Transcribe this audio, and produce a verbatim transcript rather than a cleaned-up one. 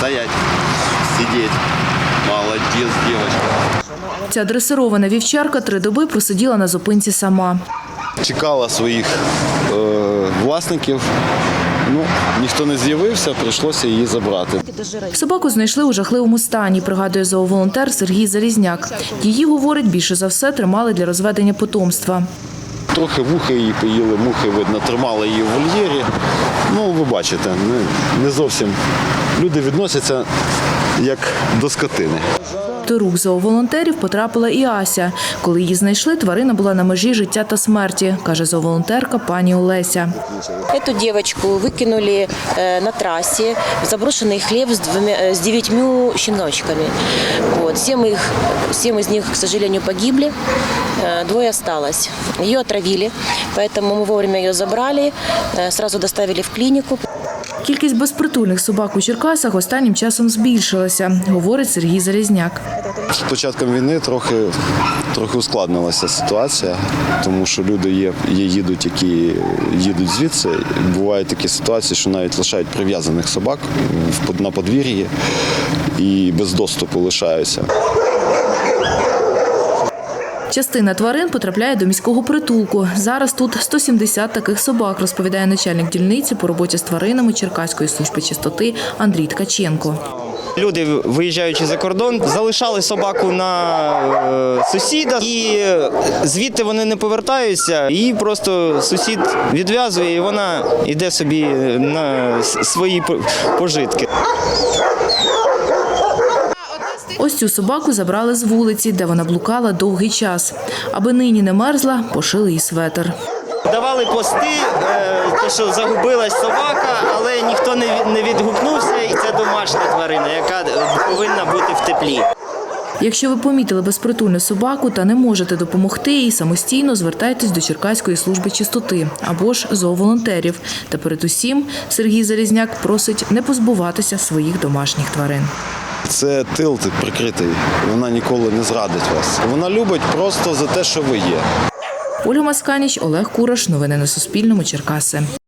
стоять, сидеть. Молодець, дівчинка. Ця дресирована вівчарка три доби просиділа на зупинці сама. Чекала своїх е, власників. Ну, ніхто не з'явився, прийшлося її забрати. Собаку знайшли у жахливому стані, пригадує зооволонтер Сергій Залізняк. Її, говорить, більше за все тримали для розведення потомства. Трохи вуха її поїли, мухи, видно, тримали її в вольєрі. Ну, ви бачите, не, не зовсім люди відносяться як до скотини. До рук зооволонтерів потрапила і Ася. Коли її знайшли, тварина була на межі життя та смерті, каже зооволонтерка пані Олеся. Эту девочку выкинули на трассе в заброшенный хлев с, двумя, с девятью щеночками. Вот. Семь, их, семь из них, к сожалению, погибли, двое осталось. Ее отравили, поэтому мы вовремя ее забрали, сразу доставили в клинику. Кількість безпритульних собак у Черкасах останнім часом збільшилася, говорить Сергій Залізняк. З початком війни трохи, трохи ускладнилася ситуація, тому що люди є, є їдуть, які їдуть звідси. Бувають такі ситуації, що навіть лишають прив'язаних собак на подвір'ї і без доступу лишаються. Частина тварин потрапляє до міського притулку. Зараз тут сто сімдесят таких собак, розповідає начальник дільниці по роботі з тваринами Черкаської служби чистоти Андрій Ткаченко. Люди, виїжджаючи за кордон, залишали собаку на сусіда і звідти вони не повертаються. Її просто сусід відв'язує і вона йде собі на свої пожитки. Ось цю собаку забрали з вулиці, де вона блукала довгий час. Аби нині не мерзла, пошили їй светр. Давали пости, те, що загубилась собака, але ніхто не відгукнувся, і це домашня тварина, яка повинна бути в теплі. Якщо ви помітили безпритульну собаку та не можете допомогти їй, самостійно звертайтесь до Черкаської служби чистоти або ж зооволонтерів. Та передусім Сергій Залізняк просить не позбуватися своїх домашніх тварин. Це тил прикритий, вона ніколи не зрадить вас. Вона любить просто за те, що ви є. Ольга Масканіч, Олег Кураш. Новини на Суспільному. Черкаси.